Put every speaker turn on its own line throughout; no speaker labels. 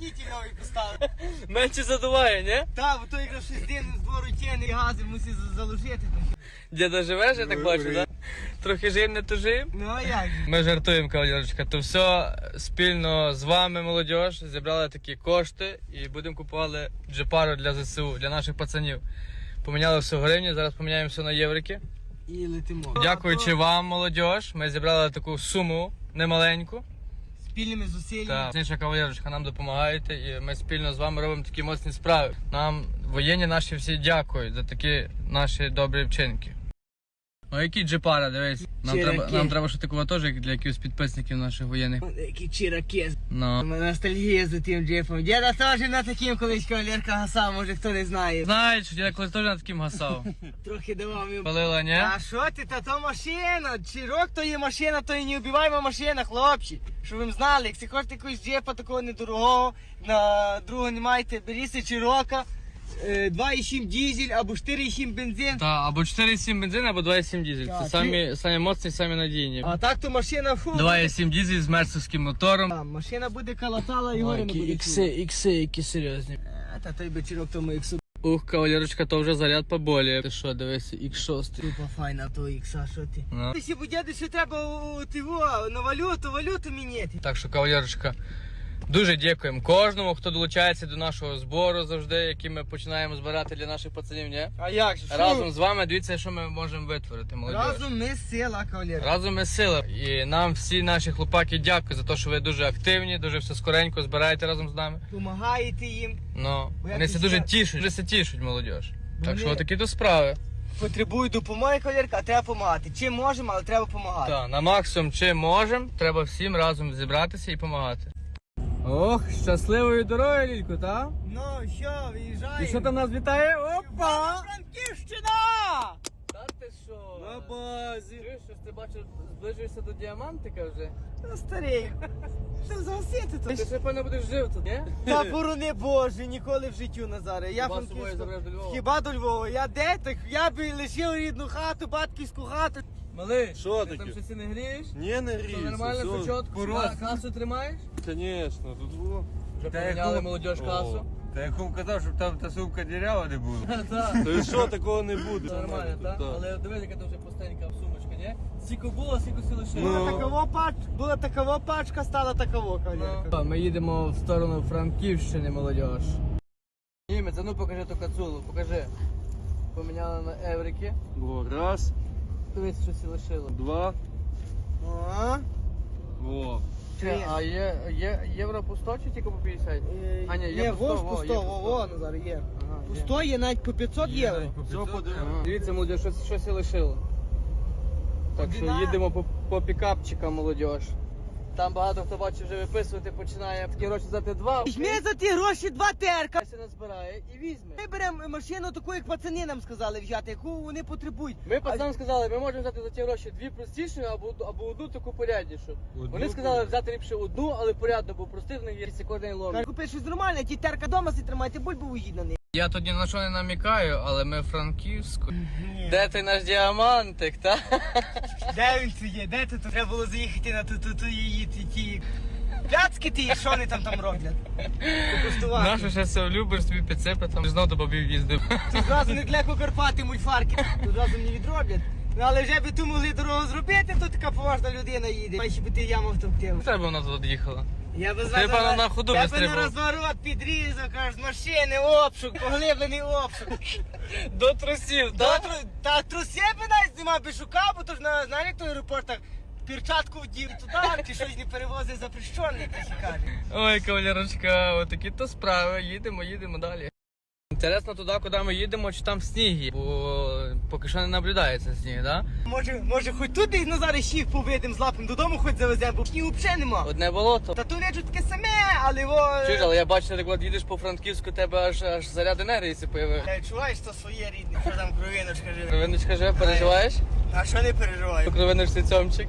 уплотнитель новий поставив.
Менше задуває, ні?
Та, бо то якраз 6 днів з двору тяне і гази мусить заложити.
Діда живеш, я так бачу, так? Трохи жив, не тужив.
Ну а як же?
Ми жартуємо, кавалерочка. То все спільно з вами, молодь, зібрали такі кошти і будемо купувати джипару для ЗСУ, для наших пацанів. Поміняли все в гривні, зараз поміняємо все на єврики.
І летимо.
Дякуючи вам, молодь, ми зібрали таку суму немаленьку.
Спільними зусиллями.
Так, інша кавалерочка, нам допомагаєте і ми спільно з вами робимо такі моцні справи. Нам воєнні наші всі дякують за такі наші добрі вчинки. Ну які джипара, дивись. Нам треба ще такого теж, як для якихось підписників наших воєнних.
Які чираки.
Ну.
Ностальгія за тим джипом. Діда теж на таким колись кавалерка гасав, може хто не знає.
Знаєш, що я колись теж на таким гасав.
Трохи давав їм.
Палила, ні?
А що ти, та то машина, чирок то є машина, то і не убиваємо машина, хлопці. Щоб ви знали, якщо хочете якогось джипа такого недорогого, на другого не маєте, беріться чирока, 2,7 дизель або 4,7 бензин.
Так, або 4,7 бензин, або 2,7 дизель.
Так,
Це самі моцні, самі надійні.
А так то машина фу.
2,7 дизель з мерсовським мотором.
А, машина буде калатала і гори не буде.
ікси, які серйозні.
Та той би чирок тому іксу.
Ух, кавалерочка, то вже заряд поболіє. Ти що, дивися, X6.
Тупа файна то ікса, що ти?
Ну.
Ти сі дяди, що треба на валюту міняти.
Так що, кавалерочка, дуже дякуємо кожному, хто долучається до нашого збору завжди, який ми починаємо збирати для наших пацанів, ні?
А як же?
Разом з вами, дивіться, що ми можемо витворити, молодь.
Разом ми сила, кавалер.
Разом ми сила. І нам всі наші хлопаки дякують за те, що ви дуже активні, дуже все скоренько збираєте разом з нами.
Помагаєте їм.
Ну,
Бо
вони
як
це
і
дуже
я-
тішуть, дуже тішуть, молодь. Так
Вони-
що отакі то справи.
Потребують допомоги, кавалерка, а треба допомагати. Чим можемо, але треба допомагати.
Так, на максимум чим можемо, треба всім разом зібратися і допомагати. Ох, щасливої дороги, Лілько, так?
Ну, що, виїжджаємо.
І що там нас вітає? Опа!
Франківщина!
Та ти що?
На базі.
Чуєш, що ти бачиш, зближуєшся до діамантика вже?
Ну, старий, що за осіти
Ти
тут?
ще, певно, будеш жив тут, ні?
Та борони Боже, ніколи в життю, Назаре. Я
Хіба з собою
Франківську-
забереш до Львова?
Хіба до Львова? Я де так? Я би лишив рідну хату, батьківську хату.
Малий,
Що
ти
таке?
там щось і не грієш?
Не, не
Все
гріється.
нормально,
все.
все чітко? Касу тримаєш?
Конечно, тут було.
Вже поміняли молодіж касу?
Та я кому казав, щоб там та сумка дірява не була.
Так.
Та і що, такого не буде.
Все нормально, так?
Так.
Але дивись, яка там вже пустенька сумочка, ні? Скільки було, скільки сили лишило.
Ну.
Була такова пачка, стала таково, кавалерка.
Ми їдемо в сторону Франківщини, молодіж. Німець, а ну покажи ту кацулу, покажи. Поміняли на еврики.
Во, раз,
Дивись, що сі лишило.
два,
О,
во.
А є євро по 100 чи тільки по 50? А, ні, є по 100,
во,
во, є по 100.
во, Назар, є.
Ага,
По
є.
100 є навіть по 500 євро.
Все подивимо.
Ага. Дивіться, молодіж, щось і лишило. Так що
Одина.
їдемо по пікапчикам, молодіж. Там багато хто бачить вже виписувати, починає такі гроші взяти два.
Візьми за ті гроші 2 терка.
Се назбирає і візьме.
Ми беремо машину таку, як пацани нам сказали взяти, яку вони потребують.
Ми пацанам сказали, ми можемо взяти за ті гроші дві простіші або одну таку поряднішу.
Одну
Вони сказали взяти ліпше одну, але порядно, бо простих в них є кожен лом.
Купи щось нормальне, ті терка вдома си тримайте, бульбу уїдь на них.
Я тут ні на що не намікаю, але ми в Франківську. Де той наш діамантик, та?
Де він це є? Де тут? Треба було заїхати на ту її ті пляцки ті, що вони там роблять. Покуштувати.
Нашу ще все любиш, собі підсипе, там знов до бабів їздив.
Тут зразу не для Карпати мульфарки, тут зразу не відроблять. Ну але вже би ту могли дорогу зробити, то така поважна людина їде. Має ще би ти яму втовктив.
Треба вона тут їхала.
Я би
Ти, певно, на ходу
я би
вистрибував.
на розворот підрізав, кажеш, з машини обшук, поглиблений обшук.
До трусів,
Та труси би навіть знімав, би шукав, бо то ж на, знаєш, як то в аеропортах перчатку вдів туди, чи щось не перевозить запрещене, як ти кажеш.
Ой, кавалерочка, отакі то справи. Їдемо далі. Інтересно туди, куди ми їдемо, чи там сніг є, бо поки що не наблюдається сніг, так?
Може хоч тут десь Назари щів повидим, злапим додому хоч завеземо, бо снігу взагалі нема.
Одне болото.
Та то речу таке саме, але во...
Чуєш, але я бачу, як от їдеш по Франківську, тебе аж заряд енергії си появив.
Чуваєш, то своє рідне, що там кровиночка живе.
Кровиночка живе, переживаєш?
А що не переживаю?
Кровиночці цьомчик.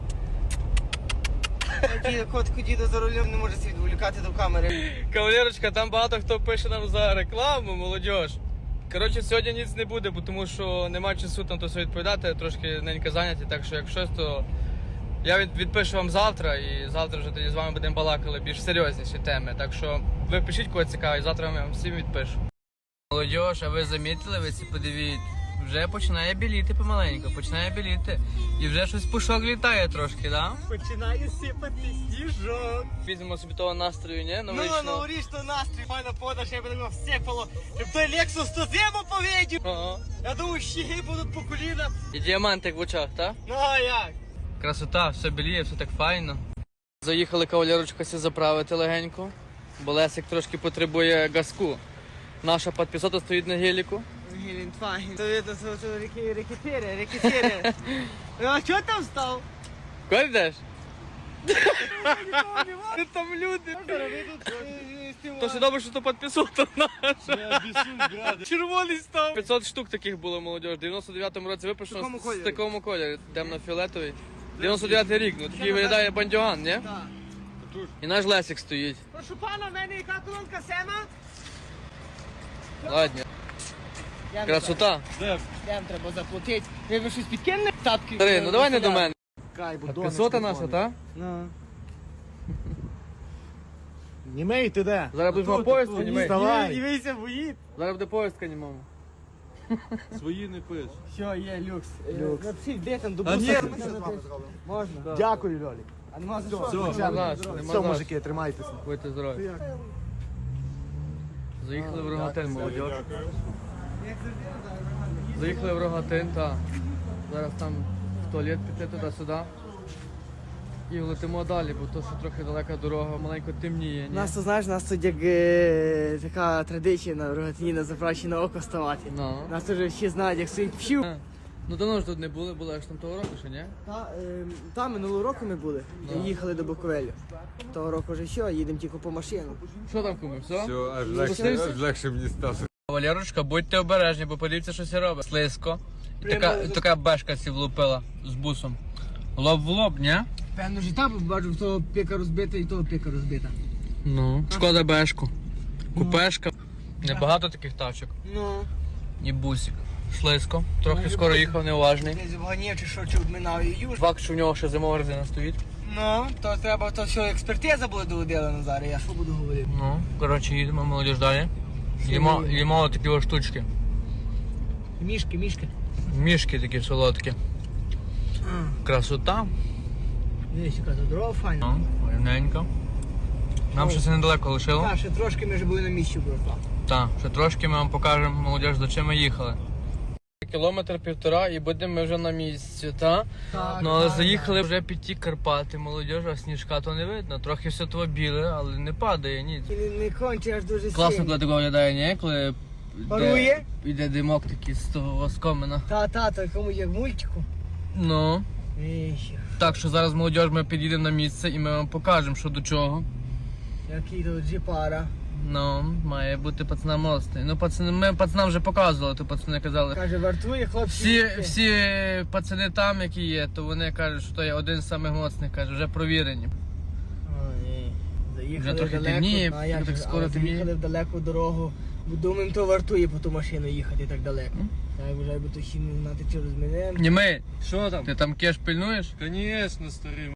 Котку діду за рулем не може світ вилікати до камери.
Кавалерочка, там багато хто пише нам за рекламу, молодіж. Коротше, сьогодні ніц не буде, бо тому що немає часу там то все відповідати, трошки ненька зайняті, так що як щось, то Я відпишу вам завтра, і завтра вже тоді з вами будемо балакали більш серйозніші теми. Так що ви пишіть, кого цікавить, завтра я вам всім відпишу. Молодіж, а ви замітили, ви це подивіть, вже починає біліти помаленьку, починає біліти. І вже щось пушок літає трошки, да?
Починає сипати сніжок.
Візьмемо собі того настрою, ні?
Ну,
Новорічного.
новорічний настрій, файна пода, ще буде всипало. Щоб той Lexus то зиму повидів.
Ага.
Я думаю, щіги будуть по колінах.
І діамантик в очах, так?
Ну а як?
Красота, все біліє, все так файно. Заїхали кавалерочка сі заправити легенько, бо Лесик трошки потребує газку. Наша підписота стоїть на геліку.
Гелендваген. То видно, що рекетири. А чого там став?
Куди йдеш? Там люди. То ще добре, що то підписота наша. Червоний став. 500 штук таких було, молодіж. В 99-му році випущено
такому
з
кольорі?
такому кольорі. Темно-фіолетовий. 99-й рік, ну такий виглядає бандюган, ні?
Так.
І наш Лесик стоїть.
Прошу пана, в мене яка колонка Сема?
Ладно. Красота.
Йдем, треба заплатити. Ви щось підкинули? Тапки?
Старий, ну давай не до мене.
Кай, бо
Підписота наша, та?
Ну.
Німей ти де?
Зараз будеш мав поїздку, німей.
Вставай.
Дивися, боїть.
Зараз буде поїздка, німому.
Свої не пиш.
Що, є люкс. Напишіть, де там до
А
буса?
ні.
Можна.
Дякую, Льолік.
А нема за що?
Все,
Нема наш,
все,
нема наш.
мужики, тримайтеся.
Будьте здорові. Заїхали в Рогатин, молодіж. Заїхали в Рогатин, так. Зараз там в туалет піти туди-сюди. І летимо далі, бо то, що трохи далека дорога, маленько темніє. Ні?
Нас то знаєш, нас тут як така традиція на Рогатині на заправці на око ставати.
Ну.
Нас вже всі знають, як стоїть пшів.
Ну давно ж тут не були аж там того року, ще ні?
Там минулого року ми були, їхали до Буковелю. Того року вже що, їдемо тільки по машину.
Що там куми, все?
Все, аж
Спустився?
легше мені стало.
Валерочка, будьте обережні, бо подивіться, що це робить. Слизько. Така бешка сі влупила з бусом. Лоб в лоб, ні?
Певно ж там бачу, того піка розбита і того піка розбита.
Ну. Шкода бешку. Купешка. Небагато таких тачок.
Ну.
І бусик. Слизько. Трохи скоро їхав, неуважний.
Десь вганів чи що, чи обминав і юж.
Факт, що в нього ще зимова резина стоїть.
Ну, то треба, то що експертиза буде доводила Назаре, я що буду говорити?
Ну, коротше, їдемо, молодіж далі. Їмо такі ось штучки.
Мішки.
Мішки такі солодкі. Красота.
Дивись, яка тут дорога файна.
Ну, рівненько. Нам ще це недалеко лишило.
Так, ще трошки ми вже були на місці, братва.
Так, ще трошки ми вам покажемо, молодіж, до чим ми їхали. Кілометр півтора і будемо ми вже на місці, так?
Так,
Ну але заїхали вже під ті Карпати, молодіж, а сніжка то не видно. Трохи все то біле, але не падає, ні.
Не конче аж дуже
Класно,
сильно.
коли такого виглядає, ні? Коли
Парує?
йде димок такий з того оскомина.
Та, комусь як в мультику.
Ну,
Віщ,
так що зараз молодіж ми підійдемо на місце і ми вам покажемо, що до чого.
який тут джипара.
Ну, має бути пацанам мостий. Ну, ми пацанам вже показували, то пацани казали.
Каже, вартує, хлопці.
Всі пацани там, які є, то вони кажуть, що то є один з самих моцних, каже, вже провірені.
Ой, заїхали
Вже трохи
далеко,
темніє,
а як
так
же,
скоро
але
темніє.
заїхали в далеку дорогу. Думаємо, то вартує по ту машину їхати так далеко. Так, вже би то ще не знати, чи розмінемо.
Німей,
Що там?
ти там кеш пильнуєш?
Звісно, старий.